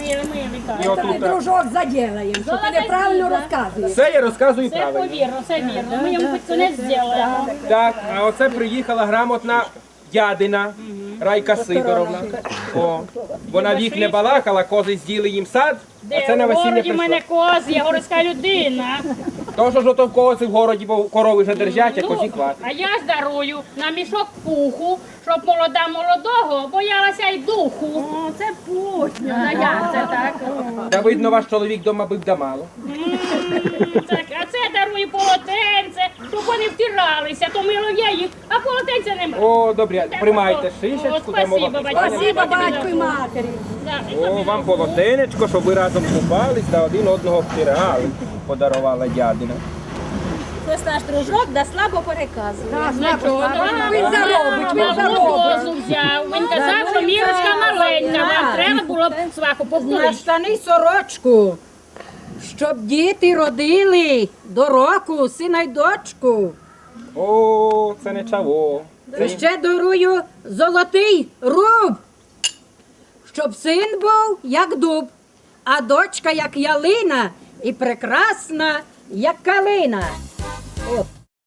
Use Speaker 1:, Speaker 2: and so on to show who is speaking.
Speaker 1: І отут,
Speaker 2: Дружок заділаємо, що ти неправильно розказуєш.
Speaker 1: все я розказую
Speaker 3: Це
Speaker 1: правильно.
Speaker 3: повірно, все вірно. Ми йому під кінець зробимо.
Speaker 1: Так, а оце приїхала грамотна дядина Райка Сидоровна. О, вона вік не балакала, кози з'їли їм сад, а це на
Speaker 3: В
Speaker 1: весілля
Speaker 3: городі в мене
Speaker 1: прийшла.
Speaker 3: коз, я городська людина.
Speaker 1: То, що ж ото в кози в городі, бо корови вже держать, а козі хватить.
Speaker 3: А я ж дарую на мішок пуху, щоб молода молодого боялася й духу.
Speaker 2: О, це путньо.
Speaker 3: А як це так?
Speaker 1: Та видно, ваш чоловік дома бив да мало.
Speaker 3: Так, а це дарую полотенце, щоб вони втиралися, то мило я їх, а полотенця немає.
Speaker 1: О, добре, приймайте шишечку,
Speaker 3: О,
Speaker 1: там
Speaker 3: спасибо,
Speaker 1: мова
Speaker 3: батько.
Speaker 2: Спасибо батьку і матері.
Speaker 1: О, вам полотенечко, щоб ви разом купались та один одного втирали, подарувала дядина.
Speaker 4: Хтось наш дружок да слабо переказує.
Speaker 2: Він заробить, він заробить.
Speaker 3: Козу взяв. Він казав, що мірочка маленька, вам треба було б сваху
Speaker 4: На
Speaker 3: повторити.
Speaker 4: штани й сорочку, щоб діти родили до року сина й дочку.
Speaker 1: О, це не чаво.
Speaker 4: І ще дарую золотий руб, щоб син був як дуб, а дочка як ялина і прекрасна, як калина. От.